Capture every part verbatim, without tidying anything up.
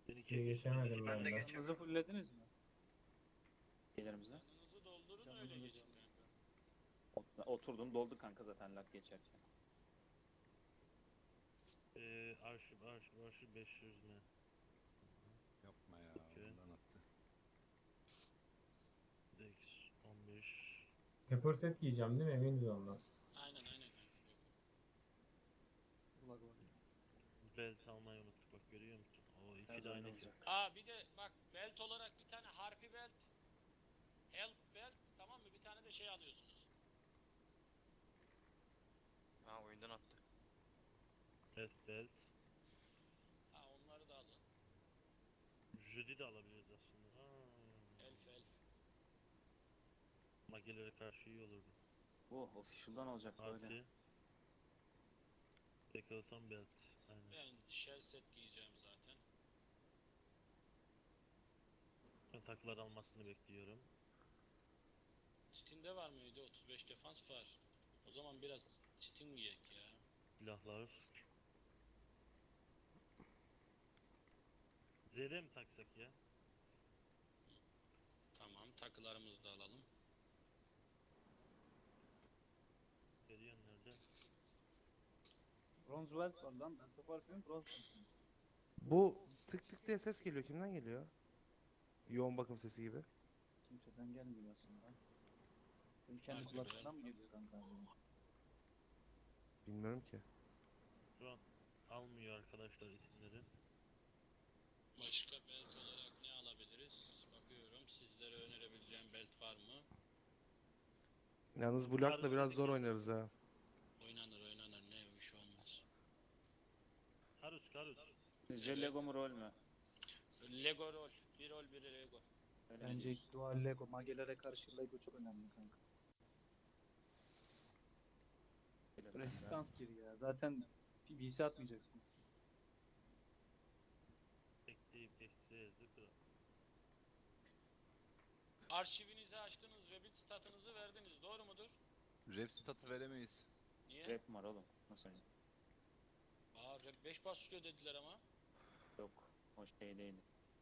Bir İyi iki geçemedim Ben ben de de. geçemedim. Canınızı fullediniz mi? Gelirimize. Canınızı doldurun öyle Canınızı geçin doldurun. kanka. Oturdum doldu kanka zaten lag geçerken. Ee, arşiv arşiv arşiv beş yüz ne? Yapma ya, Okey. ondan attı. Dex on beş. Pepper set giyeceğim değil mi? Eminiz ondan. Aynen aynen kanka. Lag var. Belt almayı unuttuk bak görüyor musun? O iki Biraz de aynı öyle şey. olacak. Aa bir de bak belt olarak bir tane harpi belt, health belt, tamam mı? Bir tane de şey alıyorsunuz. Ha, oyundan attı. Best belt. Ha onları da alın. Judy de alabiliriz aslında. Aa, Elf elf. magelere karşı iyi olurdu. Oh official'dan olacak böyle. Artı. Dekalaton belt. Aynen. Ben shell set giyeceğim zaten. Ben takılar almasını bekliyorum. Çitinde var mıydı? otuz beş defans var. O zaman biraz çitin giyek ya. Silahlar. Z'de mi taksak ya? Tamam, takılarımızı da alalım. Geliyor nerede? Bronze Wells var lan. Ben toparlıyorum bronze Wells. Bu tık tık diye ses geliyor. Kimden geliyor? Yoğun bakım sesi gibi. Kimseden gelmiyor aslında. Senin kendi Harbi kulaklarından mı geliyor kanka? Bilmiyorum ki. Şu an almıyor arkadaşlar isimleri. Başka belt olarak ne alabiliriz? Bakıyorum, sizlere önerebileceğim belt var mı? Yalnız bu lakla biraz zor oynarız ha. Oynanır oynanır, ne bir şey olmaz. Karus Karus. Sizce Lego mu rol mü? Lego rol, bir rol bir Lego. Öyle mi Bence diyorsun? dual Lego, magelere karşı Lego çok önemli kanka. Öyle Resistans bir ya. Zaten V C atmayacaksın. Ekleyip eksiğe zıkır. Arşivinizi açtınız, Rabbit statınızı verdiniz, doğru mudur? Rap statı veremeyiz. Niye? Rap mi var oğlum? Nasıl oynayayım? Aa, Rap beş başlıyor dediler ama. Yok. O şey değildi.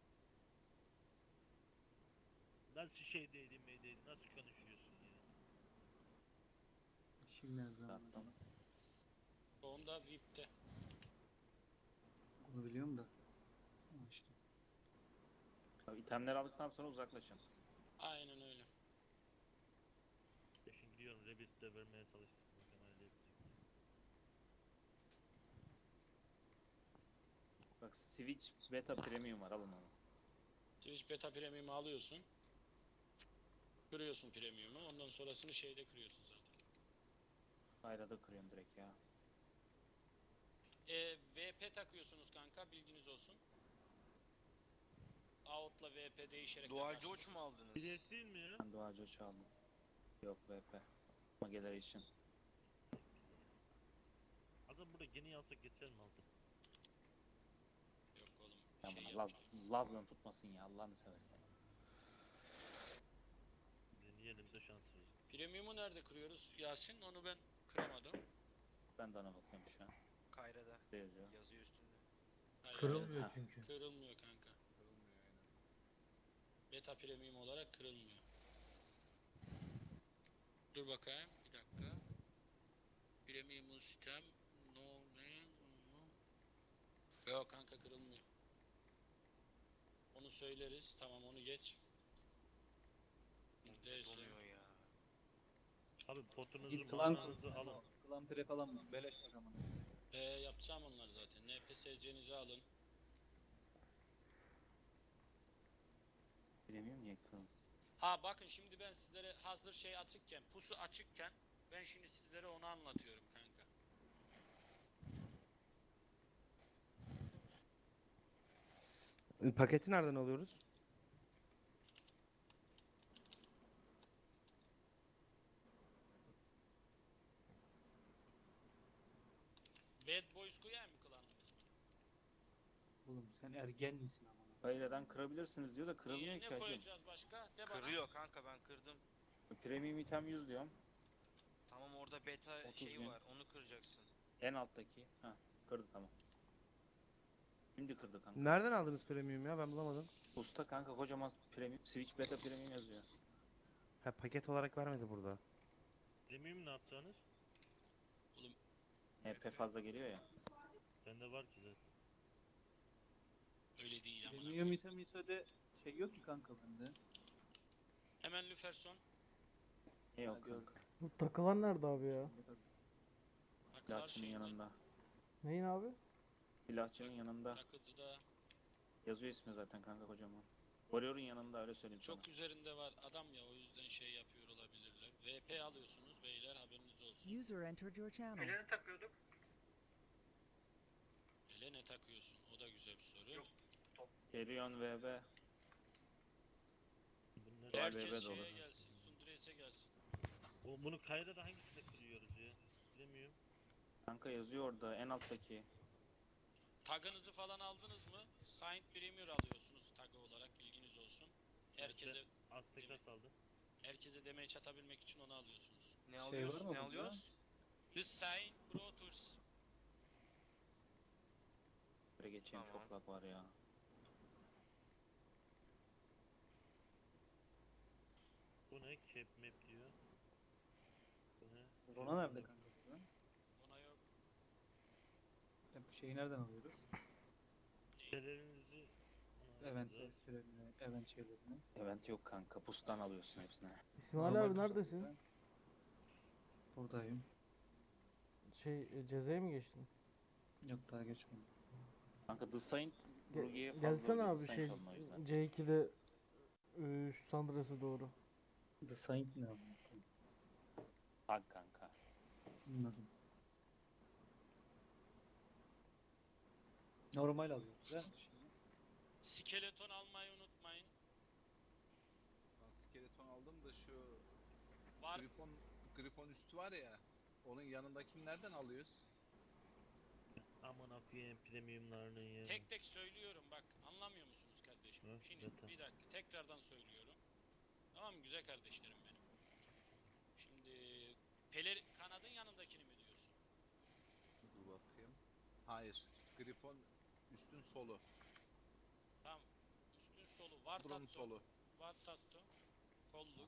Nasıl şey değilim meydeydim nasıl konuşuyorsun ya? Şimdi her zaman. Zaten. Onda V I P'te. Onu biliyorum da. Ha işte. Tabii itemleri aldıktan sonra uzaklaşın. Aynen öyle. Ya şimdi gidiyorum Rabbit de vermeye çalıştık. Muhtemelen yapacak. Bak Switch Beta Premium var alın onu. Twitch Beta Premium'u alıyorsun. Kırıyorsun Premium'u, ondan sonrasını şeyde kırıyorsun zaten. Ayrada kırıyorum direkt ya. E, V P takıyorsunuz kanka, bilginiz olsun. Out'la V P değişerek Dual takarsınız. George mu aldınız? Bilet değil mi ya? Ben Doğacı çaldım. Yok V P. Mageler için. Adam burada geni alsak geçer mi altı? Yok oğlum. Ya şey bana Laz, yapmayın. Laz'la tutmasın ya Allah'ını seversen. Deneyelim de şans verin. Premium'u nerede kırıyoruz Yasin? Onu ben kıramadım. Ben de ona bakıyorum şu an. Kayra'da. Ne yazıyor? Yazıyor üstünde. Hayır, Kırılmıyor Ha. çünkü. Kırılmıyor kanka. Kırılmıyor aynen. Beta Premium olarak kırılmıyor. Dur bakayım bir dakika. Premium sistem no ne no. Yok kanka, kırılmıyor. Onu söyleriz. Tamam, onu geç. Neyse. Donuyor ya. Abi potunuzu Git klan mananızı alın. Klan pre falan mı? Beleş bak ama. Ee, yapacağım onlar zaten. N P S C'nizi alın. Premium niye kırıldı? Ha bakın, şimdi ben sizlere hazır şey açıkken, pusu açıkken ben şimdi sizlere onu anlatıyorum kanka. Paketi nereden alıyoruz? Bad Boys koyayım mı klanın ismini? Oğlum sen ergen misin ama? Kayra'dan kırabilirsiniz diyor da kırılmıyor Niye, ki ne hacım. koyacağız başka? De bana. Kırıyor kanka, ben kırdım. Premium item yüz diyorum. Tamam, orada beta otuz şeyi gün. var, onu kıracaksın. En alttaki. Ha kırdı tamam. Şimdi kırdı kanka. Nereden aldınız premium ya? Ben bulamadım. Usta kanka kocaman premium. Switch beta premium yazıyor. Ha, paket olarak vermedi burada. Premium ne yapacağınız? H P fazla geliyor ya. Bende var ki zaten. Öyle değil ama. Premium ise misode şey yok ki kanka bende. Hemen Lüferson. Ne yok Hadi kanka. Bu takılan nerede abi ya? Takılar Silahçının şeyinde. yanında. Neyin abi? Silahçının yanında. Takıcıda. Yazıyor ismi zaten kanka kocaman. Warrior'un yanında öyle söyleyeyim sana. Çok üzerinde var adam ya, o yüzden şey yapıyor olabilirler. V P alıyorsunuz beyler, haberiniz olsun. User entered your channel. Ele ne takıyorsun? O da güzel bir soru. Helion V B. Bunlar... Var, Herkes V B de şeye olur. gelsin, Sundures'e gelsin. Oğlum bunu Kayra'da hangisinde kırıyoruz ya? Bilemiyorum. Kanka yazıyor orada en alttaki. Tagınızı falan aldınız mı? Signed Premier alıyorsunuz tagı olarak, bilginiz olsun. Herkese Aztek'e saldım. herkese demeye çatabilmek için onu alıyorsunuz. Ne Şey alıyoruz? var mı Ne bunda? alıyoruz? The Sign Pro Tours. Buraya geçeyim, Tamam. çok lag var ya. Bu ne? Cap map diyor. Bu ne? Rona nerede kanka burada? Ona yok. Ya bu şeyi nereden alıyoruz? Şeylerinizi... Event şeylerini, event şeylerini. Event yok kanka. Pustan alıyorsun hepsini. İsmail Normal abi bir neredesin? soruda. Buradayım. Şey e, cezaya mı geçtin? Yok daha geçmedim. Kanka The Saint Ge- Brugi'ye fazla Gelsene oluyor, abi The şey Saint olma o yüzden. C iki'de e, şu Sandras'a doğru. The Saint ne anlamı? Tag kanka. Anladım. Normal alıyoruz ha şimdi. Skeleton almayı unutmayın. Ben skeleton aldım da şu Var. Grifon, Grifon üstü var ya. Onun yanındakini nereden alıyoruz? Aman akıyım premiumlarının ya. Tek tek söylüyorum bak, anlamıyor musunuz kardeşim? Hı, Şimdi zaten. bir dakika tekrardan söylüyorum. Tamam mı güzel kardeşlerim benim? Şimdi Peler kanadın yanındakini mi diyorsun? Dur bakayım. Hayır. Grifon üstün solu. Tamam. Üstün solu var Drone tatto. solu. Var tatto. Kolluk.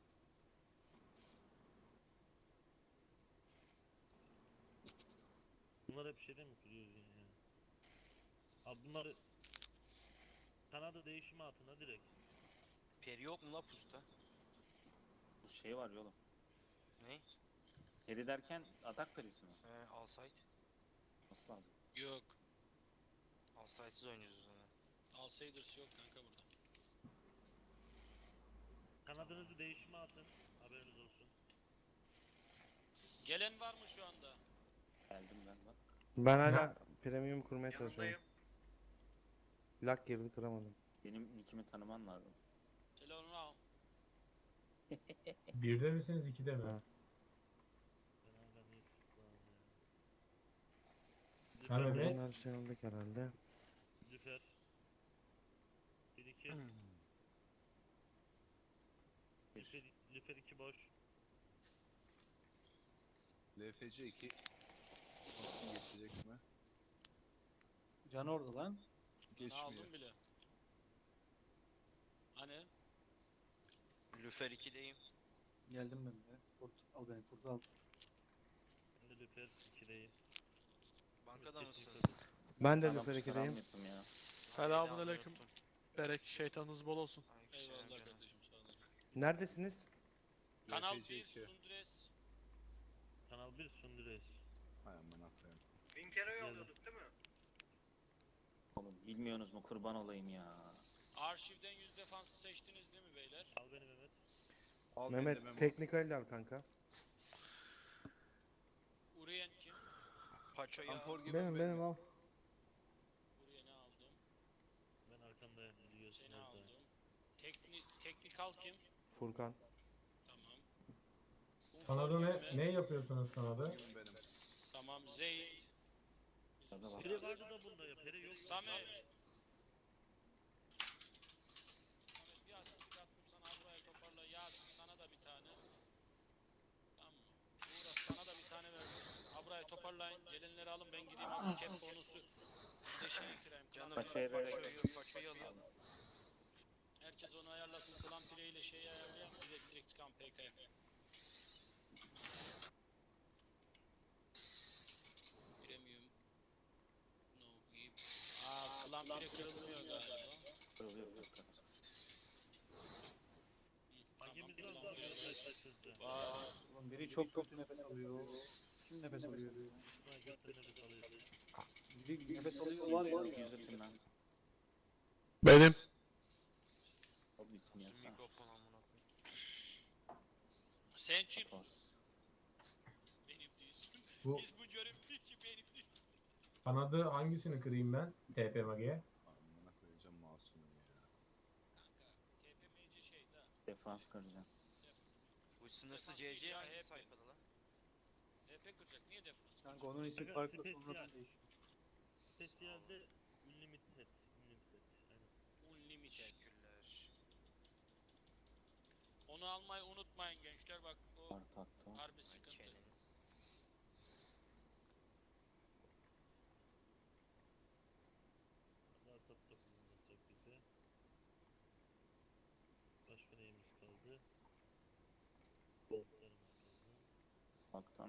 Bunlar hep şeyden mi kırıyoruz ya? Abi bunları... Kanada değişimi altına direkt. Peri yok mu la pusta? Bu şey var ya oğlum. Ne? Peri derken atak perisi mi? He, Alsight. Nasıl lazım? Yok. Alsight'siz oynuyoruz o zaman. Outsiders yok kanka burada. Kanadınızı değişime atın. Haberiniz olsun. Gelen var mı şu anda? Geldim ben bak. Ben hala premium kurmaya çalışıyorum. Lag girdi, kıramadım. Benim nickimi tanıman lazım. Telefonu al. Birde misiniz, ikide mi? Ha. Ben hala niye tıklandım ya? Ha, Lüfer, Mehmet. Bunlar şey aldık herhalde. Lüfer. Bir iki. Lüfer, Lüfer iki boş. L F C iki. Bakın geçecek mi? Can orada lan. Ne Geçmiyor. aldım bile. Hani? Lüfer ikideyim. Geldim ben de. Kurt, al beni kurt al. Ben de Lüfer ikideyim. Bankada Lüfer mısın? ikide. Ben de Adam Lüfer selam ikideyim. yaptım ya. Selamünaleyküm. Berek şeytanınız bol olsun. Eyvallah kardeşim sağ olun. Neredesiniz? Kanal L F C bir iki. Sundres. Kanal bir Sundres. Hay amına koyayım. Oğlum bilmiyorsunuz mu, kurban olayım ya. Arşivden yüz defansı seçtiniz değil mi beyler? Al beni Mehmet. Al beni de Mehmet Memo. teknikal al kanka. Uriyen kim? Paço ya. Ampor gibi Benim benim al. Uriyen'i aldım. Ben arkamda biliyorsun. Seni aldım. Tekni teknikal kim? Furkan. Tamam. Kumfor Kanada kim ne, mi? ne yapıyorsunuz Kanada? Gibi benim. Tamam. Zeyd. Şurada bak. Peri vardı da bunda ya. Peri yok. Samet. Samet bir asistik attım sana, buraya toparla. Yasin sana da bir tane. Tamam mı? Uğraş sana da bir tane verdim. Abra'ya toparlayın. Gelenleri alın ben gideyim. Abi cap bonusu. Deşini bitireyim. Canım Canım Paço'ya Paço'yu vererek- Paço'yu alıyor. Herkes onu ayarlasın. Klan play ile şey ayarlayalım. Direkt direkt çıkan P K'ya. Premium. No gibi. Aa klan play kırılmıyor galiba. Kırılıyor yok kanka. Hangimiz Tamam, var klan abi play. arkadaşlar sizde? Vay. Ulan biri çok kötü nefes alıyor. Kim nefes alıyor? Buna götür nefes alıyorsun. Biri nefes alıyor var ya. Yüz öpeyim ben. Benim. Oğlum ismi Şu yazsana. mikrofon amına koyayım. Sen kim? Atos. Benim değilsin. Bu Biz bu görev için benim değilsin. kanadı hangisini kırayım ben? T P Mage'ye. Amına koyacağım masumu ya. Kanka T P M C şey da. Defans kıracağım. Bu sınırsız C C Ya hangi hep- sayfada lan? T P kıracak niye defans? Kanka onun ismi Kanka, farklı spesiyel. sonradan değişiyor. Spesiyelde unlimited. Unlimited. Aynen. Unlimited. Teşekkürler. Onu almayı unutmayın gençler bak o Art attı. harbi Ay sıkıntı. çenenin. Allah tatlı kullanacak bize. Başka neyimiz kaldı? Boltlarımız kaldı. Baktan.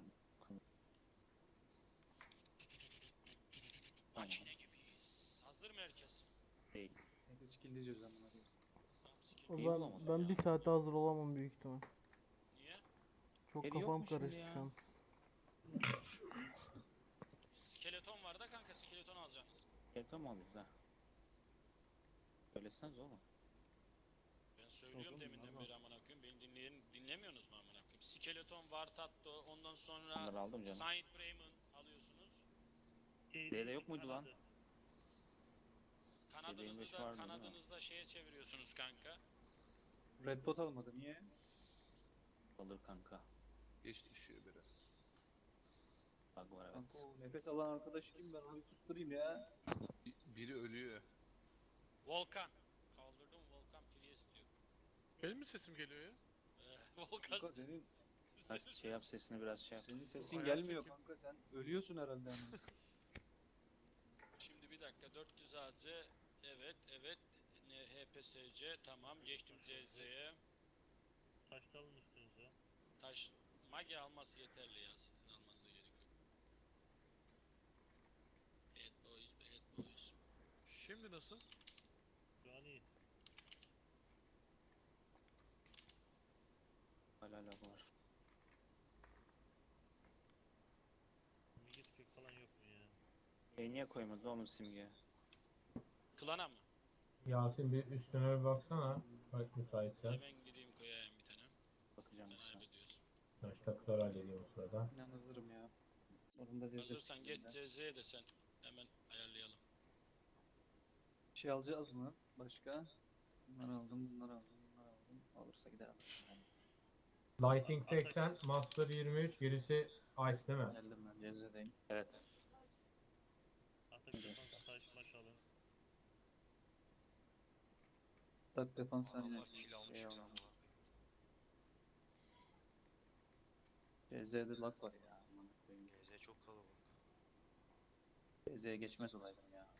Makine gibiyiz. Hazır mı herkes? Değil. Herkes skill diyoruz amına koyayım. Tamam, sikeyim. O İyi ben, bulamadım ben ya. bir saate hazır olamam büyük ihtimal. Niye? Çok Yeri kafam yok mu şimdi karıştı ya? şu an. Skeleton var da kanka skeleton alacaksınız. Yeter mi alıyoruz ha? Söyleseniz oğlum. Ben söylüyorum Oğlum, deminden Allah. beri amına koyayım. Beni dinleyen dinlemiyorsunuz mu amına koyayım? Skeleton, Vartatto, ondan sonra Onları aldım canım. Saint Bremen alıyorsunuz. D'de yok muydu lan? Kanadı. Kanadınızı beş da vardı, değil mi? kanadınızda şeye çeviriyorsunuz kanka. Red Dot almadı niye? Alır kanka. Geç düşüyor biraz. Bug var evet. Kanka o nefes alan arkadaş kim ben onu susturayım ya. Bi- Biri ölüyor. Volkan. Kaldırdım Volkan Priest diyor. Benim mi sesim geliyor ya? Eh, Volkan. Kanka senin, Ha, şey yap sesini biraz şey yap. senin sesin Ayağı gelmiyor çekeyim. kanka sen ölüyorsun herhalde ama. Şimdi bir dakika dört yüz A C evet evet ne H P S C tamam geçtim Z Z'ye Taşta alın üstünüze. taş mage alması yeterli ya sizin almanıza gerek yok. Bad boys bad boys. Şimdi nasıl? Şu an iyi. Hala lag var. Git kök falan yok mu ya? E niye koymadın oğlum simge? Klana mı? Yasin bir üstüne bir baksana. Bak müsaitse. Hemen gideyim koyayım bir tane. Bakacağım Ben bir saniye. hallediyorsun. Taştakları hallediyorum o sırada. İnan hazırım ya. Sonunda zevzek Hazırsan geç skill'den. Z Z'ye de sen hemen ayarlayalım. Bir şey alacağız mı? Başka? Bunları aldım, bunları aldım, bunları aldım. Olursa gider alırım. Yani Lighting seksen, Master yirmi üç, gerisi Ice değil mi? geldim ben Cezre'deyim. Evet. Atak defans taş maş alın. Tak defans ben yine. Adamlar kill almış Eyvallah. bile amına koyayım. Cezre'de lag var ya. amına koyayım. G Z çok kalabalık. Cezre'ye geçmez olaydım ya.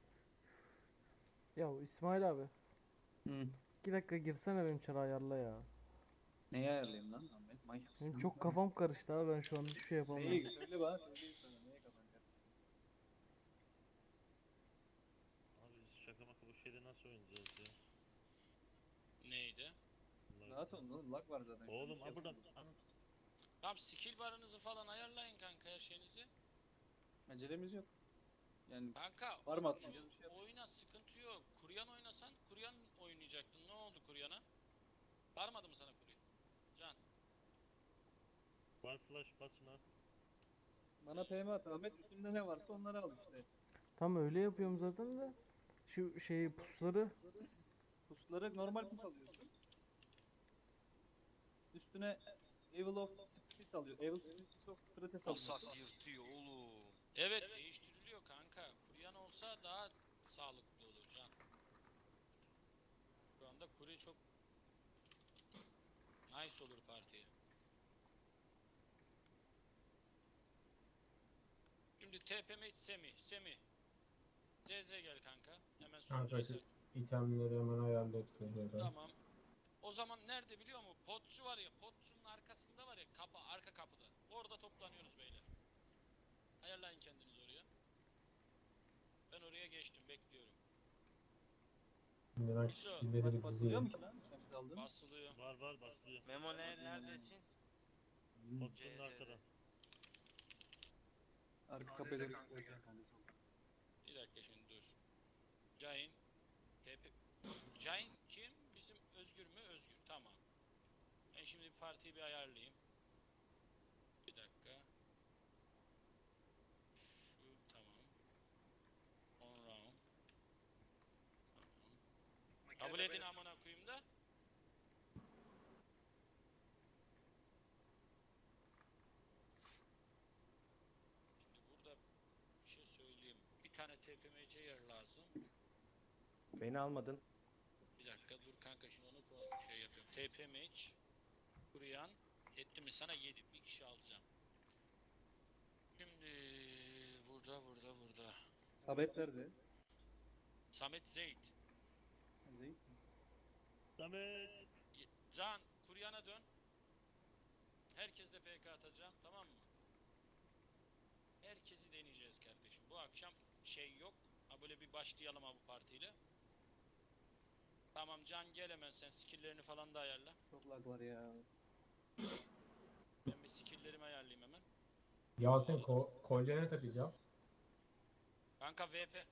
Ya İsmail abi. Hı. iki dakika girsene benim çarı ayarla ya. Neyi ayarlayayım lan Ahmet? Manyaksın. Benim çok kafam karıştı abi ben şu an hiçbir şey yapamıyorum. Neyi? Söyle bana söyleyeyim sana. Neye kafan karıştı? Abi biz şaka maka bu şeyde nasıl oynayacağız ya? Neydi? Allah Rahat olun oğlum lag var zaten. şu an, Oğlum bir şey ha buradan. yapamıyorsun. Anam. Tamam skill barınızı falan ayarlayın kanka her şeyinizi. Acelemiz yok. Yani Kanka Var mı o- atmaca şu bir şey yap. oyuna sıkıntı yok. Kuryan oynasan Kuryan oynayacaktın. Ne oldu Kuryan'a? Varmadı mı sana Kuryan? Can. Var flash basma. bana P M at Ahmet üstünde ne varsa onları al işte. Tam öyle yapıyorum zaten de. Şu şeyi pusları Pusları normal pus alıyorsun. Üstüne Evil of Spirits alıyor. Evil Spirits of Spirits alıyorsun. Asas yırtıyor oğlum. Evet, değiştiriliyor kanka. Kuryan olsa daha sağlıklı olur Can. Şu anda Kuri çok nice olur partiye. Şimdi T P M Semi, Semi. C Z gel kanka. Hemen Kanka sunucuya şu itemleri hemen ayarlayıp geliyorum. Tamam. O zaman nerede biliyor musun? Potçu var ya, potçunun arkasında var ya, kapı, arka kapıda. Orada toplanıyoruz beyler. Ayarlayın kendinizi oraya. Ben oraya geçtim, bekliyorum. Şimdi ben İso, skill'leri Maç bir basılıyor mu dizeyim. ki lan? Sen aldın. Basılıyor. Var var başlıyor. Memo ne, neredesin? Hmm. Potçunun C Z'de. arkada. Arka kapıya doğru gidiyoruz kanka. Bir dakika şimdi dur. Cain. T P... Cain kim? Bizim Özgür mü? Özgür. Tamam. Ben şimdi partiyi bir ayarlayayım. Bir dakika. Şu tamam. On round. Tamam. Kabul edin amına koyayım da. Şimdi burada bir şey söyleyeyim. Bir tane T P M C yer lazım. Beni almadın. Bir dakika dur kanka, şimdi onu ko- şey yapıyorum. T P M H kuruyan etti mi sana yedi, bir kişi alacağım. Şimdi burada burada burada. Tabet nerede? Samet Zeyt. Zeyt. Samet. Y- Can kuryana dön. Herkesle P K atacağım, tamam mı? Herkesi deneyeceğiz kardeşim. Bu akşam şey yok. Ha böyle bir başlayalım ha bu partiyle. Tamam Can, gel hemen sen skill'lerini falan da ayarla. Çok lag var ya. Ben bir skill'lerimi ayarlayayım hemen. Yasin ko kolyene takacağım. Kanka V P.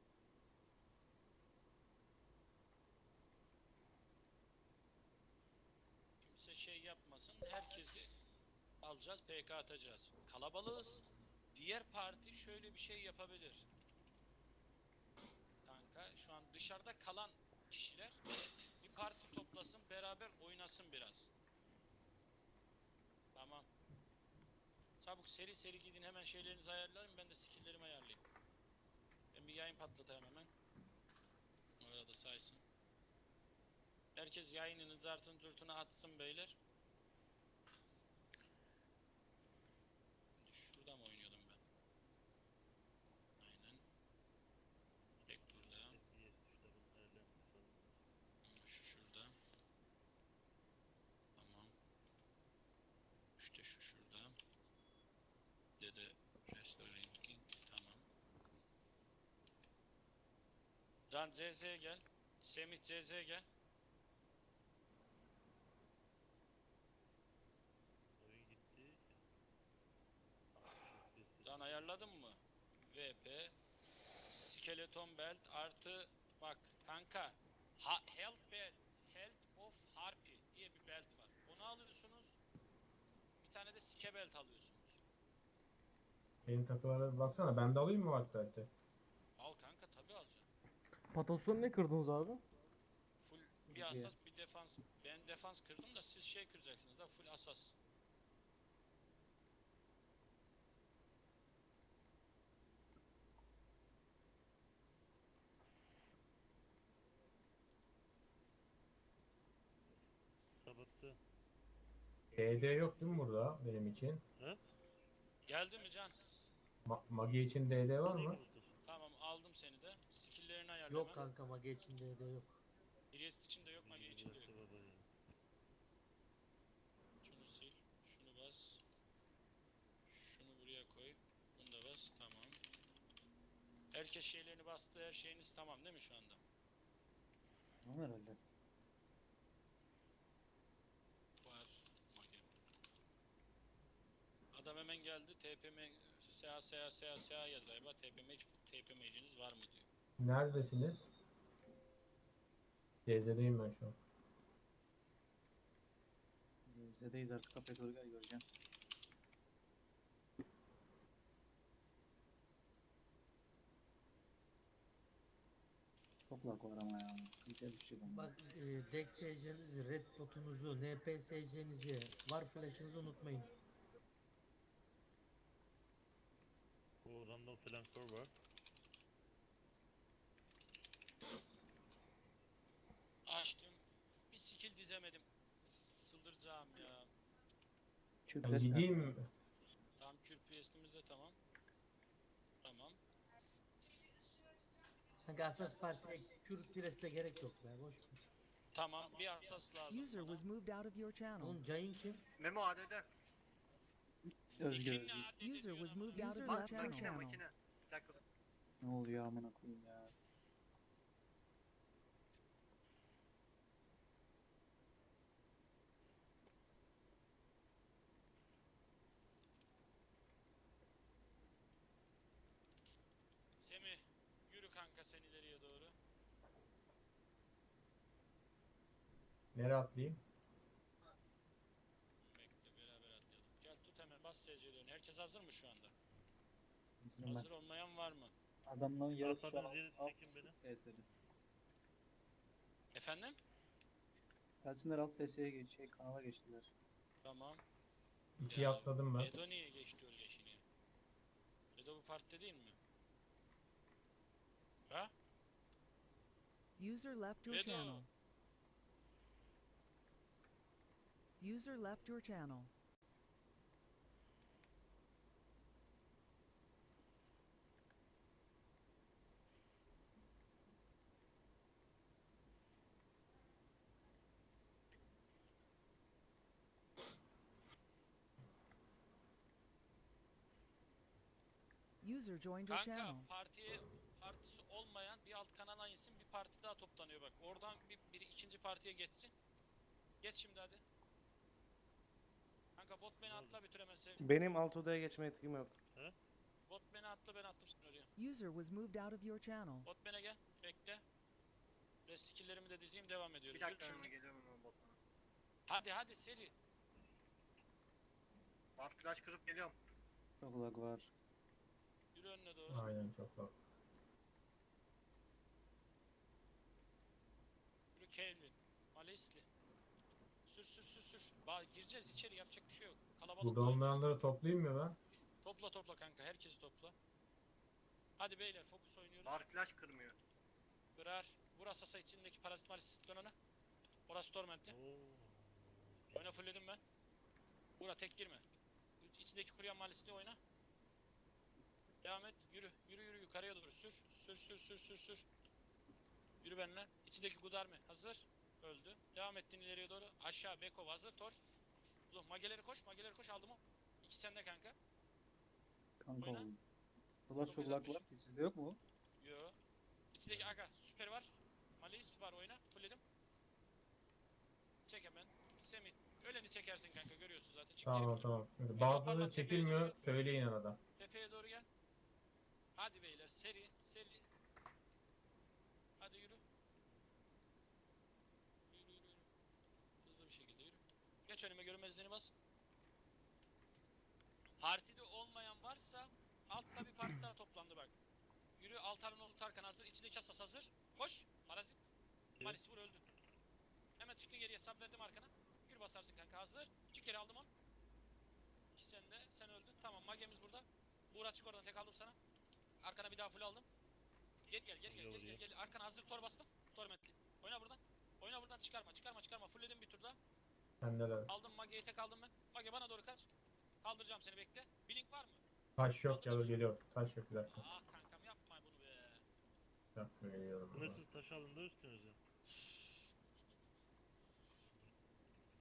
Kimse şey yapmasın. Herkesi alacağız, P K atacağız. Kalabalığız. Diğer parti şöyle bir şey yapabilir. Kanka şu an dışarıda kalan kişiler bir parti toplasın, beraber oynasın biraz. Tamam. Çabuk seri seri gidin, hemen şeylerinizi ayarlayın, ben de skill'lerimi ayarlayayım. Ben bir yayın patlatayım hemen. O arada saysın. Herkes yayınını zartın zurtuna atsın beyler. Şimdi şurada mı oynuyordum ben? Aynen. Tek burada. Şu şurada. Tamam. İşte şu şurada. Bir de restoring. Tamam. Can C Z'ye gel. Semih C Z'ye gel. Oyun gitti. Can ayarladın mı? V P Skeleton Belt artı bak kanka, ha, Health Belt, Health of Harpy diye bir belt var. Onu alıyorsunuz. Bir tane de Sike Belt alıyorsunuz. Benim takılara bir baksana. Ben de alayım mı bak zaten? Al kanka, tabi alacaksın. Patosunu ne kırdınız abi? Full bir asas bir defans. Ben defans kırdım da siz şey kıracaksınız da full asas. Kapattı. D D yok değil mi burada benim için? Geldi mi Can? Ma Magi için D D var mı? Tamam, aldım seni de. Skill'lerini ayarla Yok hemen. kanka, mage içinde de yok. Priest için de yok, mage için de yok. Şunu sil, şunu bas. Şunu buraya koy. Bunu da bas, tamam. Herkes şeylerini bastı, her şeyiniz tamam değil mi şu anda? Tamam herhalde. Var, mage. Adam hemen geldi, T P M, S A, S A, S A, S A yazayım. T P M, T P M'ciniz var mı diyor. Neredesiniz? D Z'deyim ben şu an. Z'deyiz, arka kapıya doğru gel, göreceğim. Çok lag var ama ya. Sıkıntıya düşecek ama. Bak e, Dex S C'nizi, Red Dot'unuzu, N P S C'nizi, Var Flash'ınızı unutmayın. O random flankör var. Açtım. Bir skill dizemedim. Çıldıracağım ya. Ben Küplet gideyim mi? Tamam, kür P S'imiz de tamam. Tamam. Kanka Asas Parti'ye Kürt Pires'te gerek yok be boş ver. Tamam bir asas lazım User bana. was moved out of your channel. Oğlum Cayın kim? Memo A D D. Özgür İkinci Özgür. adedi User diyor was ama. moved out of User your left your Makine channel. makine. Bir dakika dur. Ne oluyor amına koyayım ya. Semih yürü kanka sen ileriye doğru. Nereye atlayayım? Bekle beraber atlayalım. Gel tut hemen bas S C'lerini. Herkes hazır mı şu anda? Ben Hazır olmayan var mı? adamların yarısı şu an Hasan'ın yeri alt çekin beni. T S'de. Efendim? Gelsinler alt T S'ye geç, şey, kanala geçtiler. Tamam. İkiye atladım ben. Edo niye geçti öyle yeşili? Edo bu partide değil mi? Ha? User left your Edo. channel. User left your channel. User joined your Kanka channel. partiye partisi olmayan bir alt kanala insin bir parti daha toplanıyor bak. Oradan bir, biri ikinci partiye geçsin. Geç şimdi hadi. Kanka bot beni atla bitir hemen sev. Benim alt odaya geçme yetkim yok. Bot beni atla ben attım seni oraya. User was moved out of your channel. Bot bana gel. Bekle. Ve skilllerimi de dizeyim devam ediyoruz. Bir Yürü dakika şimdi. Memo geliyorum Memo botuna. Hadi hadi seri. Bak flash kırıp geliyorum. Çok lag var. Yürü önüne doğru. Aynen çok da. Yürü Kelvin. Malisli. Sür sür sür sür. Bak gireceğiz içeri yapacak bir şey yok. Kalabalık Burada oynayacağız. olmayanları toplayayım mı ben? Topla topla kanka herkesi topla. Hadi beyler fokus oynuyoruz. Var flash kırmıyor. Kırar. Vur asasa içindeki parazit malis. Dön ona. Orası tormentli. Oo. Oyna fullledim ben. Vura tek girme. İçindeki kuruyan malisli oyna. Devam et. Yürü. Yürü yürü yukarıya doğru sür. Sür sür sür sür sür. Yürü benimle. İçindeki Gudarmi hazır. Öldü. Devam ettin ileriye doğru. Aşağı Beko hazır. Tor. Ulan mageleri koş. Mageleri koş aldım o. İki sende kanka. Kanka Oyna. oğlum. O kadar çok dokuz lag altmış. var ki sizde yok mu? Yo. İçindeki aga süper var. Malis var oyna. Fullledim. Çek hemen. Semih. Öleni çekersin kanka görüyorsun zaten. Çık Tamam geri. tamam. Şimdi Oyna, bazıları parmak tepeye çekilmiyor. doğru. Söyleyin arada. Tepeye doğru gel. Hadi beyler seri seri. Hadi yürü. Yürü yürü yürü. Hızlı bir şekilde yürü. Geç önüme görünmezliğini bas. Partide olmayan varsa altta bir parti daha toplandı bak. Yürü Altar'ın oğlu Tarkan hazır. İçindeki asas hazır. Koş. Parazit. Maris vur öldü. Hemen çıktı geriye sub verdim arkana. Kür basarsın kanka hazır. Çık geri aldım onu. İki sen de sen öldün. Tamam magemiz burada. Buğra çık oradan tek aldım sana. Arkana bir daha full aldım. Gel gel gel gel gel gel gel. Arkana hazır tor bastım. Tormentli. Oyna buradan. Oyna buradan çıkarma çıkarma çıkarma. Fullledim bir tur daha. Sendeler. Aldım Mage'yi tek aldım ben. Mage bana doğru kaç. Kaldıracağım seni bekle. Blink var mı? Taş yok ya da geliyor. Taş yok bir dakika. Ah kankam yapma bunu be. Bir dakika geliyorum. buradan. Sınırsız taş alın da üstünüze.